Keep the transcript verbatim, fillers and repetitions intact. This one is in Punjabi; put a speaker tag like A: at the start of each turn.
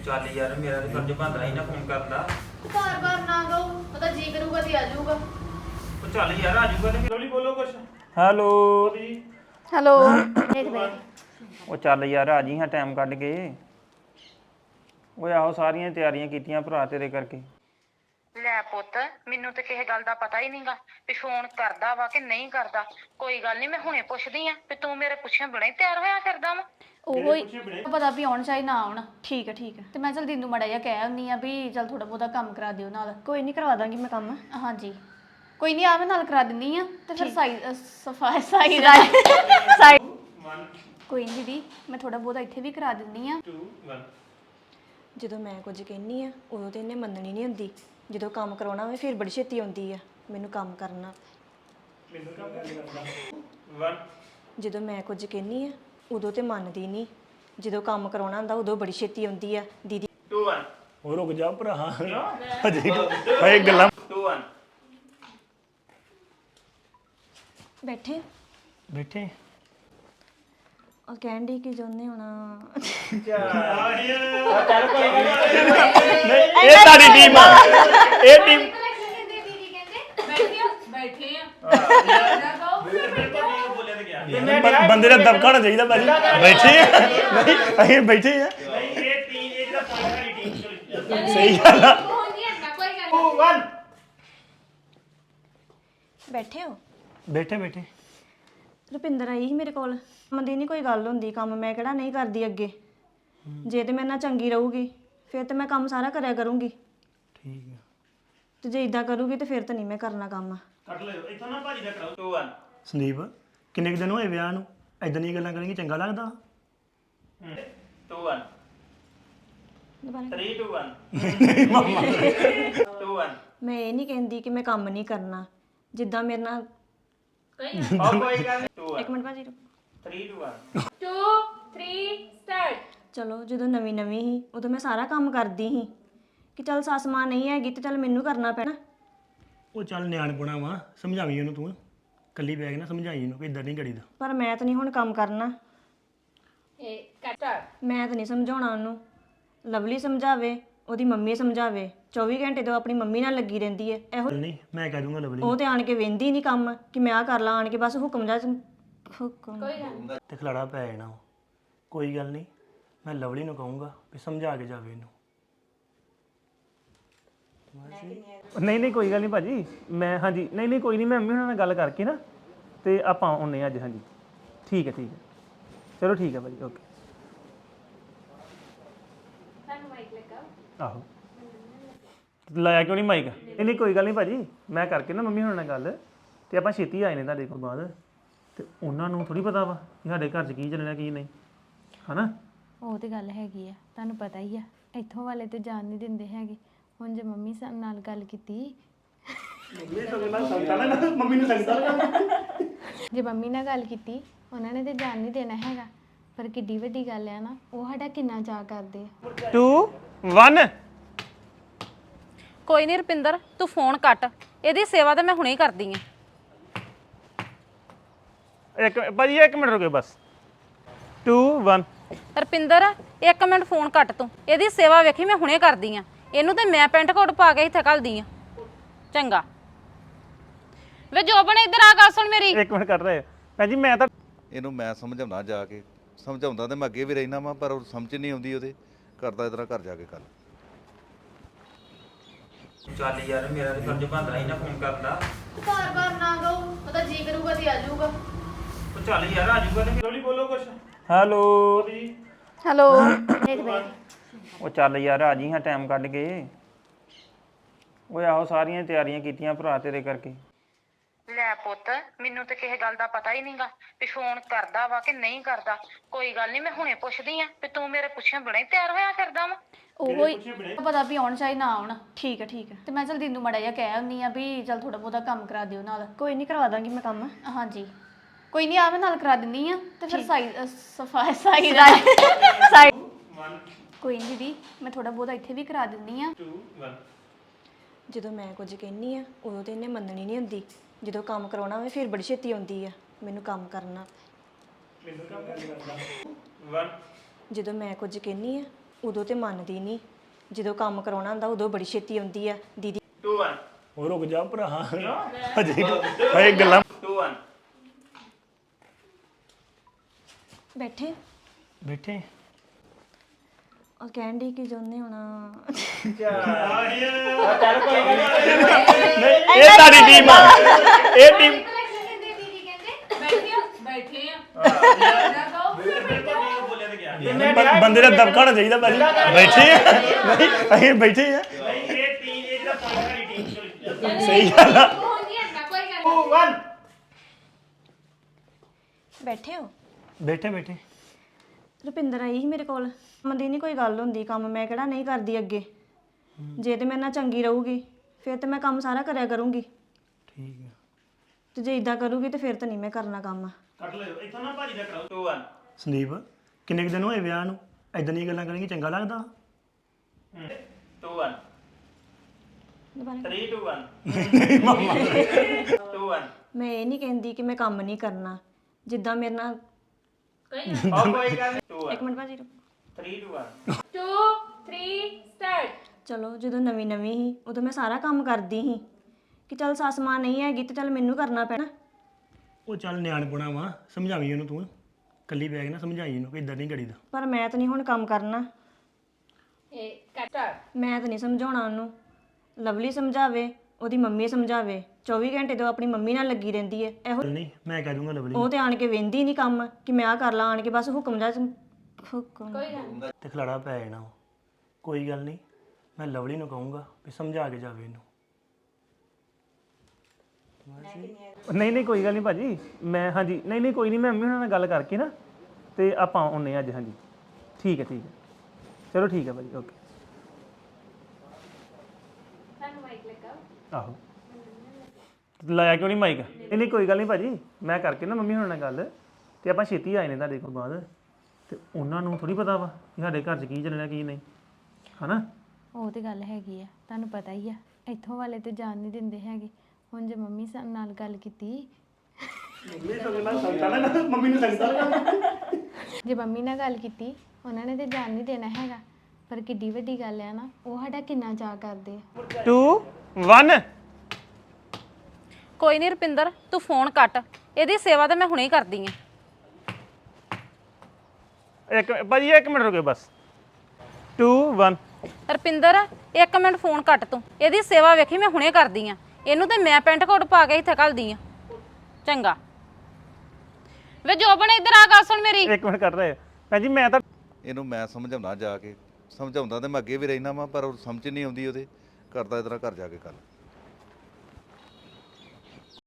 A: ਚੱਲ ਯਾਰ ਮੇਰਾ ਤੇ ਫਰਜ਼ ਬਣਦਾ ਸੀ ਨਾ ਫੋਨ ਕਰਦਾ।
B: ਬਾਰ ਬਾਰ ਨਾ ਕਹੋ, ਪਤਾ ਜੀ ਕਰੂਗਾ ਤੇ ਆ ਜਾਊਗਾ।
A: ਉਹ ਚੱਲ ਯਾਰ ਆ ਜਾਊਗਾ ਤੇ ਲੋਲੀ ਬੋਲੋ ਕੁਛ।
C: ਹੈਲੋ
B: ਹੈਲੋ ਦੇਖ ਦੇ
C: ਉਹ ਚੱਲ ਯਾਰ ਆ ਜੀ ਹਾਂ ਟਾਈਮ ਕੱਢ ਕੇ। ਓਏ ਆਹੋ ਸਾਰੀਆਂ ਤਿਆਰੀਆਂ ਕੀਤੀਆਂ ਭਰਾ ਤੇਰੇ ਕਰਕੇ।
D: ਲੈ ਪੁੱਤ ਮੈਨੂੰ ਤੇ ਕਿਸੇ ਗੱਲ ਦਾ ਪਤਾ ਹੀ ਨਹੀਂਗਾ ਵੀ ਫੋਨ ਕਰਦਾ ਵਾ ਕਿ ਨਹੀਂ ਕਰਦਾ। ਕੋਈ ਗੱਲ ਨਹੀਂ ਮੈਂ ਹੁਣੇ ਪੁੱਛਦੀ ਆ ਵੀ ਤੂੰ ਮੇਰੇ ਪੁੱਛਿਆ ਬੜਾ ਹੀ ਤਿਆਰ ਹੋਇਆ ਫਿਰਦਾ ਵਾ।
B: ਉਹੋ ਹੀ ਪਤਾ ਵੀ ਆਉਣ ਚਾਹੀ ਨਾ ਆਉਣ। ਠੀਕ ਹੈ ਠੀਕ ਹੈ ਤੇ ਮੈਂ ਚਲ ਦਿਨ ਮੜਾ ਜਿਹਾ ਕਹਿ ਆਉਂਦੀ ਆ ਵੀ ਚਲ ਥੋੜਾ ਬਹੁਤਾ ਕੰਮ ਕਰਾ ਦਿਓ ਨਾਲ।
E: ਕੋਈ ਨਹੀਂ ਕਰਵਾ ਦਾਂਗੀ ਮੈਂ ਕੰਮ।
B: ਹਾਂਜੀ ਕੋਈ ਨਹੀਂ ਆ ਮੈਂ ਨਾਲ ਕਰਾ ਦਿੰਦੀ ਆ ਤੇ ਫਿਰ ਸਾਈ ਸਫਾਈ ਸਾਈ ਸਾਈ ਕੋਈ ਨਹੀਂ ਦੀਦੀ ਮੈਂ ਥੋੜਾ ਬਹੁਤਾ ਇੱਥੇ ਵੀ ਕਰਾ ਦਿੰਦੀ ਆ।
E: ਜਦੋਂ ਮੈਂ ਕੁਝ ਕਹਿੰਨੀ ਆ ਉਦੋਂ ਤੇ ਇਹਨੇ ਮੰਨਣੀ ਨਹੀਂ ਹੁੰਦੀ। ਜਦੋਂ ਕੰਮ ਕਰਾਉਣਾ ਹੋਵੇ ਫਿਰ ਬੜੀ ਛੇਤੀ ਆਉਂਦੀ ਆ ਮੈਨੂੰ ਕੰਮ ਕਰਨਾ। ਜਦੋਂ ਮੈਂ ਕੁਝ ਕਹਿੰਨੀ ਆ ਉਦੋਂ ਤੇ ਮੰਨਦੀ ਨਹੀਂ। ਜਦੋਂ ਕੰਮ ਕਰਾਉਣਾ ਹੁੰਦਾ ਉਦੋਂ ਬੜੀ ਛੇਤੀ ਆਉਂਦੀ ਆ ਦੀਦੀ।
F: ਉਹ ਰੁਕ ਜਾ ਭਰਾ ਹਜੇ ਹਏ ਗੱਲਾਂ
E: ਬੈਠੇ
F: ਬੈਠੇ
E: ਉਹ ਕਹਿਣ ਦੀ ਕੀ ਚਾਹੁੰਦੇ ਹੋਣਾ।
F: ਇਹ ਤੁਹਾਡੀ ਟੀਮ ਆ ਇਹ ਟੀਮ ਬੰਦੇ ਦਾ ਦਬਕਾ ਹੋਣਾ ਚਾਹੀਦਾ ਭਾਜੀ। ਬੈਠੇ ਆ ਨਹੀਂ ਅਸੀਂ ਬੈਠੇ ਆ ਸਹੀ ਗੱਲ ਆ।
E: ਬੈਠੇ ਹੋ
F: ਬੈਠੇ ਬੈਠੇ
E: ਰੁਪਿੰਦਰ ਆਈ ਸੀ ਮੇਰੇ ਕੋਲ। ਕੰਮ ਦੀ ਨਹੀਂ ਕੋਈ ਗੱਲ ਹੁੰਦੀ। ਕੰਮ ਮੈਂ ਕਿਹੜਾ ਨਹੀਂ ਕਰਦੀ ਅੱਗੇ। ਜੇ ਤੇ ਮੇਰੇ ਨਾਲ ਚੰਗੀ ਰਹੂਗੀ ਫਿਰ ਤੇ ਮੈਂ ਕੰਮ ਸਾਰਾ ਕਰਿਆ ਕਰੂੰਗੀ।
F: ਠੀਕ ਆ
E: ਤੇ ਜੇ ਇਦਾਂ ਕਰੂਗੀ ਤੇ ਫਿਰ ਤਾਂ ਨਹੀਂ ਮੈਂ ਕਰਨਾ ਕੰਮ।
A: ਕੱਟ ਲਿਓ ਇੱਥੋਂ ਨਾ ਭਾਜੀ ਦਾ ਕਰਾਓ। ਟੂ ਵਨ
F: ਸੰਦੀਪ ਕਿੰਨੇ ਕੁ ਦਿਨ ਹੋਏ ਵਿਆਹ ਨੂੰ ਇਦਾਂ ਦੀਆਂ ਗੱਲਾਂ ਕਰਾਂਗੇ ਚੰਗਾ ਲੱਗਦਾ।
A: ਟੂ ਵਨ
E: ਦੁਬਾਰਾ
A: three two one two one
E: ਮੈਂ ਇਹ ਨਹੀਂ ਕਹਿੰਦੀ ਕਿ ਮੈਂ ਕੰਮ ਨਹੀਂ ਕਰਨਾ। ਜਿੱਦਾਂ ਮੇਰੇ ਨਾਲ
A: ਉਹ ਕੋਈ ਗੱਲ ਨਹੀਂ। ਟੂ
E: ਇੱਕ
A: ਵਨ
E: ਮਿੰਟ ਭਾਜੀ ਰੁਕੋ।
A: ਥ੍ਰੀ ਟੂ ਵਨ
E: ਚਲੋ ਜਦੋਂ ਨਵੀਂ ਨਵੀਂ ਸੀ ਉਦੋਂ ਮੈਂ ਸਾਰਾ ਕੰਮ ਕਰਦੀ ਸੀ ਕਿ ਚੱਲ ਸੱਸ ਮਾਂ ਨਹੀਂ ਹੈਗੀ ਤੇ ਚੱਲ ਮੈਨੂੰ ਕਰਨਾ ਪੈਣਾ।
F: ਉਹ ਚੱਲ ਨਿਆਣਪੁਣਾ ਵਾ ਸਮਝਾਵੀਂ ਉਹਨੂੰ ਤੂੰ ਕੱਲੀ ਬੈਗ ਨਾ ਸਮਝਾਈ ਇਹਨੂੰ ਕਿ ਇਦਾਂ ਨਹੀਂ ਕਰੀਦਾ।
E: ਪਰ ਮੈਂ ਤਾਂ ਨਹੀਂ ਹੁਣ ਕੰਮ ਕਰਨਾ। ਮੈਂ ਤਾਂ ਨਹੀਂ ਸਮਝਾਉਣਾ ਉਹਨੂੰ। ਲਵਲੀ ਸਮਝਾਵੇ ਉਹਦੀ ਮੰਮੀ ਸਮਝਾਵੇ। ਚੌਵੀ ਘੰਟੇ ਤੋਂ ਆਪਣੀ ਮੰਮੀ ਨਾਲ ਲੱਗੀ ਰਹਿੰਦੀ ਹੈ ਇਹੋ।
F: ਨਹੀਂ ਮੈਂ ਕਹਿ ਦੂੰਗਾ ਲਵਲੀ
E: ਉਹ ਤੇ ਆਣ ਕੇ ਵੇਂਦੀ ਨਹੀਂ ਕੰਮ ਕਿ ਮੈਂ ਆ ਕਰ ਲਾਂ। ਆਣ ਕੇ ਬਸ ਹੁਕਮ ਜਾ ਹੁਕਮ
F: ਤੇ ਖਲਾੜਾ ਪੈ ਜਾਣਾ ਉਹ। ਕੋਈ ਗੱਲ ਨਹੀਂ ਮੈਂ ਲਵਲੀ ਨੂੰ ਕਹੂੰਗਾ ਵੀ ਸਮਝਾ ਕੇ ਜਾਵੇ ਇਹਨੂੰ।
C: ਨਹੀਂ ਨਹੀਂ ਕੋਈ ਗੱਲ ਨਹੀਂ ਭਾਜੀ ਮੈਂ ਹਾਂਜੀ ਨਹੀਂ ਨਹੀਂ ਕੋਈ ਨਹੀਂ ਮੈਂ ਮੰਮੀ ਉਹਨਾਂ ਨਾਲ ਗੱਲ ਕਰਕੇ ਨਾ ਤੇ ਆਪਾਂ ਆਉਂਦੇ ਅੱਜ। ਹਾਂਜੀ ਠੀਕ ਹੈ ਠੀਕ ਹੈ ਚਲੋ ਠੀਕ ਹੈ ਭਾਜੀ ਓਕੇ। ਆਹੋ ਲਾਇਆ ਕਿਉਂ ਨਹੀਂ ਮਾਈਕ? ਨਹੀਂ ਨਹੀਂ ਕੋਈ ਗੱਲ ਨਹੀਂ ਭਾਜੀ ਮੈਂ ਕਰਕੇ ਨਾ ਮੰਮੀ ਹੁਣਾਂ ਨਾਲ ਗੱਲ ਤੇ ਆਪਾਂ ਛੇਤੀ ਆਏ ਨੇ ਤੁਹਾਡੇ ਕੋਲ ਬਾਅਦ। ਤੇ ਉਹਨਾਂ ਨੂੰ ਥੋੜੀ ਪਤਾ ਵਾ ਕਿ ਸਾਡੇ ਘਰ 'ਚ ਕੀ ਚੱਲਣਾ ਕੀ ਨਹੀਂ ਹਨਾ।
B: ਉਹ ਤੇ ਗੱਲ ਹੈਗੀ ਆ ਤੁਹਾਨੂੰ ਪਤਾ ਹੀ ਆ ਇੱਥੋਂ ਵਾਲੇ ਤੇ ਜਾਣ ਨਹੀਂ ਦਿੰਦੇ ਹੈਗੇ। ਹੁਣ ਜੇ ਮੰਮੀ ਸਾਡੇ ਨਾਲ ਗੱਲ ਕੀਤੀ
F: ਮੰਮੀ ਨੂੰ ਸੰਗਦਾ
B: ਜੇ ਮੰਮੀ ਨਾਲ ਗੱਲ ਕੀਤੀ ਉਹਨਾਂ ਨੇ ਤੇ ਜਾਣ ਨਹੀਂ ਦੇਣਾ ਹੈਗਾ। ਪਰ ਕਿੱਡੀ ਵੱਡੀ ਗੱਲ ਆ ਨਾ ਉਹ ਸਾਡਾ ਕਿੰਨਾ ਚਾਅ ਕਰਦੇ ਆ।
C: ਟੂ ਵਨ
D: ਕੋਈ ਨਹੀਂ ਰੁਪਿੰਦਰ ਤੂੰ ਫੋਨ ਕੱਟ। ਇਹਦੀ ਸੇਵਾ ਤਾਂ ਮੈਂ ਹੁਣੇ ਹੀ ਕਰਦੀ ਆ।
C: ਇੱਕ ਭਾਜੀ ਇੱਕ ਮਿੰਟ ਰੁਕਿਓ ਬਸ। ਟੂ ਵਨ
D: ਰੁਪਿੰਦਰ ਇੱਕ ਮਿੰਟ ਫੋਨ ਕੱਟ ਤੂੰ। ਇਹਦੀ ਸੇਵਾ ਵੇਖੀ ਮੈਂ ਹੁਣੇ ਕਰਦੀ ਆ। ਇਹਨੂੰ ਤੇ ਮੈਂ ਪੈਂਟ ਕੋਟ ਪਾ ਕੇ ਇੱਥੇ ਘੱਲਦੀ ਆ। ਚੰਗਾ ਵੇ ਜੋਬਨ ਇੱਧਰ ਆ ਗੱਲ ਸੁਣ ਮੇਰੀ।
C: ਇੱਕ ਮਿੰਟ ਕਰ ਰਹੇ ਭੈਣ ਜੀ ਮੈਂ ਤਾਂ
G: ਇਹਨੂੰ ਮੈਂ ਸਮਝਾਉਣਾ ਜਾ ਕੇ ਸਮਝਾਉਂਦਾ ਤੇ ਮੈਂ ਅੱਗੇ ਵੀ ਰਹਿਣਾ ਵਾਂ ਪਰ ਉਹ ਸਮਝ ਨਹੀਂ ਆਉਂਦੀ ਉਹਦੇ। ਕਰਦਾ ਇਤਨਾ ਘਰ ਜਾ ਕੇ ਗੱਲ।
A: ਚੱਲ ਯਾਰ ਮੇਰਾ ਤੇ ਫਰਜ਼ ਬਣਦਾ ਸੀ ਨਾ ਫੋਨ ਕਰਦਾ।
B: ਬਾਰ ਬਾਰ ਨਾ ਕਹੋ, ਪਤਾ ਜੀ ਕਰੂਗਾ ਤੇ ਆ ਜਾਊਗਾ।
A: ਉਹ ਚੱਲ ਯਾਰ ਆ ਜਾਊਗਾ ਤੇ ਲੋਲੀ ਬੋਲੋ ਕੁਛ।
C: ਹੈਲੋ
B: ਹੈਲੋ ਦੇਖ ਦੇ
C: ਉਹ ਚੱਲ ਯਾਰ ਆ ਜੀ ਹਾਂ ਟਾਈਮ ਕੱਢ ਕੇ। ਓਏ ਆਹੋ ਸਾਰੀਆਂ ਤਿਆਰੀਆਂ ਕੀਤੀਆਂ ਭਰਾ ਤੇਰੇ ਕਰਕੇ।
D: ਲੈ ਪੁੱਤ ਮੈਨੂੰ ਤੇ ਕਿਸੇ ਗੱਲ ਦਾ ਪਤਾ ਹੀ ਨਹੀਂਗਾ ਵੀ ਫੋਨ ਕਰਦਾ ਵਾ ਕਿ ਨਹੀਂ ਕਰਦਾ। ਕੋਈ ਗੱਲ ਨਹੀਂ ਮੈਂ ਹੁਣੇ ਪੁੱਛਦੀ ਆ ਵੀ ਤੂੰ ਮੇਰੇ ਪੁੱਛਿਆ ਬੜਾ ਹੀ ਤਿਆਰ ਹੋਇਆ ਫਿਰਦਾ ਵਾ।
B: ਉਹੋ ਹੀ ਪਤਾ ਵੀ ਆਉਣ ਚਾਹੀ ਨਾ ਆਉਣ। ਠੀਕ ਹੈ ਠੀਕ ਹੈ ਤੇ ਮੈਂ ਚਲ ਦਿਨ ਮੜਾ ਜਿਹਾ ਕਹਿ ਆਉਂਦੀ ਆ ਵੀ ਚਲ ਥੋੜਾ ਬਹੁਤਾ ਕੰਮ ਕਰਾ ਦਿਓ ਨਾਲ।
E: ਕੋਈ ਨਹੀਂ ਕਰਵਾ ਦਾਂਗੀ ਮੈਂ ਕੰਮ।
B: ਹਾਂਜੀ ਕੋਈ ਨਹੀਂ ਆ ਮੈਂ ਨਾਲ ਕਰਾ ਦਿੰਦੀ ਆ ਤੇ ਫਿਰ ਸਾਈ ਸਫਾਈ ਸਾਈ ਸਾਈ ਕੋਈ ਨਹੀਂ ਦੀਦੀ ਮੈਂ ਥੋੜਾ ਬਹੁਤਾ ਇੱਥੇ ਵੀ ਕਰਾ ਦਿੰਦੀ ਆ।
A: ਟੂ ਵਨ
E: ਜਦੋਂ ਮੈਂ ਕੁਝ ਕਹਿੰਨੀ ਆ ਉਦੋਂ ਤੇ ਇਹਨੇ ਮੰਨਣੀ ਨਹੀਂ ਹੁੰਦੀ। ਜਦੋਂ ਕੰਮ ਕਰਾਉਣਾ ਹੋਵੇ ਫਿਰ ਬੜੀ ਛੇਤੀ ਆਉਂਦੀ ਆ ਮੈਨੂੰ ਕੰਮ ਕਰਨਾ।
A: ਵਨ
E: ਜਦੋਂ ਮੈਂ ਕੁਝ ਕਹਿੰਨੀ ਆ ਉਦੋਂ ਤੇ ਮੰਨਦੀ ਨਹੀਂ ਜਦੋਂ ਕੰਮ ਕਰਾਉਣਾ ਹੁੰਦਾ ਉਦੋਂ ਬੜੀ ਛੇਤੀ ਆਉਂਦੀ ਆ ਦੀਦੀ
A: two one
F: ਉਹ ਰੁਕ ਜਾ ਭਰਾ ਹਜੇ ਹਏ ਗੱਲਾਂ
A: two one
E: ਬੈਠੇ
F: ਬੈਠੇ
E: ਉਹ ਕਹਿਣ ਡਈ ਕਿ ਜੋਨੇ ਹੋਣਾ
F: ਇਹ ਤੁਹਾਡੀ ਟੀਮ ਆ ਇਹ ਟੀਮ ਬੰ- ਬੰਦੇ ਦਾ ਦਬਕਾ ਹੋਣਾ ਚਾਹੀਦਾ ਭਾਜੀ ਬੈਠੇ ਆ ਨਹੀਂ ਅਸੀਂ ਬੈਠੇ ਆ
A: ਇਹ ਟੀਮ ਇਹ ਜਿਹੜਾ ਪੁਆਇੰਟ ਵਾਲੀ ਟੀਮ
F: ਸਹੀ ਗੱਲ ਆ
A: two one
E: ਬੈਠੇ ਹੋ
F: ਬੈਠੇ ਬੈਠੇ
E: ਰੁਪਿੰਦਰ ਆਈ ਸੀ ਮੇਰੇ ਕੋਲ ਮੰਦੀ ਨਹੀਂ ਕੋਈ ਗੱਲ ਹੁੰਦੀ ਕੰਮ ਮੈਂ ਕਿਹੜਾ ਨਹੀਂ ਕਰਦੀ ਅੱਗੇ ਜੇ ਤੇ ਮੇਰੇ ਨਾਲ ਚੰਗੀ ਰਹੂਗੀ ਫਿਰ ਤੇ ਮੈਂ ਕੰਮ ਸਾਰਾ ਕਰਿਆ ਕਰੂੰਗੀ
F: ਠੀਕ ਆ
E: ਤੇ ਜੇ ਇਦਾਂ ਕਰੂਗੀ ਤੇ ਫਿਰ ਤਾਂ ਨਹੀਂ ਮੈਂ ਕਰਨਾ ਕੰਮ
A: ਕੱਟ ਲਿਓ ਇੱਥੋਂ ਨਾ ਭਾਜੀ ਦਾ ਕਰਾਓ two one
F: ਸੰਦੀਪ ਕਿੰਨੇ ਕੁ ਦਿਨ ਹੋਏ ਵਿਆਹ ਨੂੰ ਐਦਾਂ ਦੀਆਂ ਗੱਲਾਂ ਕਰਾਂਗੇ ਚੰਗਾ ਲੱਗਦਾ
A: two one
E: ਦੁਬਾਰਾ
A: three two one two one
E: ਮੈਂ ਇਹ ਨਹੀਂ ਕਹਿੰਦੀ ਕਿ ਮੈਂ ਕੰਮ ਨਹੀਂ ਕਰਨਾ ਜਿੱਦਾਂ ਮੇਰੇ ਨਾਲ
A: ਉਹ ਕੋਈ ਗੱਲ ਨਹੀਂ two one
E: ਇੱਕ ਮਿੰਟ ਭਾਜੀ ਰੁਕੋ।
A: three two one
D: two three start
E: ਚਲੋ ਜਦੋਂ ਨਵੀਂ ਨਵੀਂ ਸੀ ਉਦੋਂ ਮੈਂ ਸਾਰਾ ਕੰਮ ਕਰਦੀ ਸੀ ਕਿ ਚੱਲ ਸੱਸ ਮਾਂ ਨਹੀਂ ਹੈਗੀ ਤੇ ਚੱਲ ਮੈਨੂੰ ਕਰਨਾ ਪੈਣਾ
F: ਉਹ ਚੱਲ ਨਿਆਣਪੁਣਾ ਵਾ ਸਮਝਾਵੀਂ ਉਹਨੂੰ ਤੂੰ ਕੱਲੀ ਬੈਗ ਨਾ ਸਮਝਾਈ ਉਹਨੂੰ ਕਿ ਇਦਾਂ ਨਹੀਂ ਕਰੀਦਾ
E: ਪਰ ਮੈਂ ਤਾਂ ਨਹੀਂ ਹੁਣ ਕੰਮ ਕਰਨਾ
D: ਇਹ ਕੱਟ
E: ਮੈਂ ਤਾਂ ਨਹੀਂ ਸਮਝਾਉਣਾ ਉਹਨੂੰ ਲਵਲੀ ਸਮਝਾਵੇ ਉਹਦੀ ਮੰਮੀ ਸਮਝਾਵੇ ਚੌਵੀ ਘੰਟੇ ਤੋਂ ਆਪਣੀ ਮੰਮੀ ਨਾਲ ਲੱਗੀ ਰਹਿੰਦੀ ਹੈ ਇਹੋ
F: ਚੱਲ ਨਹੀਂ ਮੈਂ ਕਹਿ ਦੂੰਗਾ ਲਵਲੀ
E: ਉਹ ਤੇ ਆਣ ਕੇ ਵੇਂਦੀ ਨਹੀਂ ਕੰਮ ਕਿ ਮੈਂ ਆ ਕਰ ਲਾਂ ਆਣ ਕੇ ਬਸ ਹੁਕਮ ਜਾ ਹੁਕਮ
F: ਤੇ ਖਲਾੜਾ ਪੈ ਜਾਣਾ ਵਾ। ਕੋਈ ਗੱਲ ਨਹੀਂ ਮੈਂ ਲਵਲੀ ਨੂੰ ਕਹੂੰਗਾ ਵੀ ਸਮਝਾ ਕੇ ਜਾਵੇ ਇਹਨੂੰ
C: ਨਹੀਂ ਨਹੀਂ ਕੋਈ ਗੱਲ ਨਹੀਂ ਭਾਜੀ ਮੈਂ ਹਾਂਜੀ ਨਹੀਂ ਨਹੀਂ ਕੋਈ ਨਹੀਂ ਮੈਂ ਮੰਮੀ ਉਹਨਾਂ ਨਾਲ ਗੱਲ ਕਰਕੇ ਨਾ ਤੇ ਆਪਾਂ ਆਉਂਦੇ ਹਾਂ ਅੱਜ ਹਾਂਜੀ ਠੀਕ ਹੈ ਠੀਕ ਹੈ ਚਲੋ ਠੀਕ ਹੈ ਭਾਜੀ ਓਕੇ ਆਹੋ ਲਾਇਆ ਕਿਉਂ ਨਹੀਂ ਮਾਈਕ ਨਹੀਂ ਨਹੀਂ ਕੋਈ ਗੱਲ ਨਹੀਂ ਭਾਜੀ ਮੈਂ ਕਰਕੇ ਨਾ ਮੰਮੀ ਉਹਨਾਂ ਨਾਲ ਗੱਲ ਤੇ ਆਪਾਂ ਛੇਤੀ ਆਏ ਨੇ ਤੁਹਾਡੇ ਕੋਲ ਬਾਅਦ ਤੇ ਉਹਨਾਂ ਨੂੰ ਥੋੜੀ ਪਤਾ ਵਾ ਕਿ ਸਾਡੇ ਘਰ 'ਚ ਕੀ ਚੱਲਣਾ ਕੀ ਨਹੀਂ ਹਨਾ
H: ਉਹ ਤੇ ਗੱਲ ਹੈਗੀ ਆ ਤੁਹਾਨੂੰ ਪਤਾ ਹੀ ਆ ਇੱਥੋਂ ਵਾਲੇ ਤੇ ਜਾਣ ਨਹੀਂ ਦਿੰਦੇ ਹੈਗੇ ਹੁਣ ਜੇ ਮੰਮੀ ਸਾ- ਨਾਲ ਗੱਲ ਕੀਤੀ
F: ਮੰਮੀ ਨੂੰ ਲੱਗਦਾ
H: ਜੇ ਮੰਮੀ ਨਾਲ ਗੱਲ ਕੀਤੀ ਉਹਨਾਂ ਨੇ ਤੇ ਜਾਣ ਨਹੀਂ ਦੇਣਾ ਹੈਗਾ ਪਰ ਕਿੱਡੀ ਵੱਡੀ ਗੱਲ ਆ ਨਾ ਉਹ ਸਾਡਾ ਕਿੰਨਾ ਚਾਅ ਕਰਦੇ ਆ
C: two one
D: ਕੋਈ ਨਹੀਂ ਰੁਪਿੰਦਰ ਤੂੰ ਫੋਨ ਕੱਟ ਇਹਦੀ ਸੇਵਾ ਤਾਂ ਮੈਂ ਹੁਣੇ ਹੀ ਕਰਦੀ ਆ
C: ਇੱਕ ਭਾਜੀ ਇੱਕ ਮਿੰਟ ਰੁਕਿਓ ਬਸ two one
D: ਰੁਪਿੰਦਰ ਇੱਕ ਮਿੰਟ ਫੋਨ ਕੱਟ ਤੂੰ ਇਹਦੀ ਸੇਵਾ ਵੇਖੀ ਮੈਂ ਹੁਣੇ ਕਰਦੀ ਆ ਇਹਨੂੰ ਤੇ ਮੈਂ ਪੈਂਟ ਕੋਟ ਪਾ ਕੇ ਇੱਥੇ ਘੱਲਦੀ ਆ ਚੰਗਾ ਵੇ ਜੋਬਨ ਇੱਧਰ ਆ ਗੱਲ ਸੁਣ ਮੇਰੀ
C: ਇੱਕ ਮਿੰਟ ਕੱਟ ਰਹੇ ਭੈਣ ਜੀ ਮੈਂ ਤਾਂ
G: ਇਹਨੂੰ ਮੈਂ ਸਮਝਾਉਣਾ ਜਾ ਕੇ ਸਮਝਾਉਂਦਾ ਤੇ ਮੈਂ ਅੱਗੇ ਵੀ ਰਹਿਣਾ ਵਾਂ ਪਰ ਉਹ ਸਮਝ ਨਹੀਂ ਆਉਂਦੀ ਉਹਦੇ ਕਰਦਾ ਇਸ ਤਰ੍ਹਾਂ ਘਰ ਜਾ ਕੇ ਗੱਲ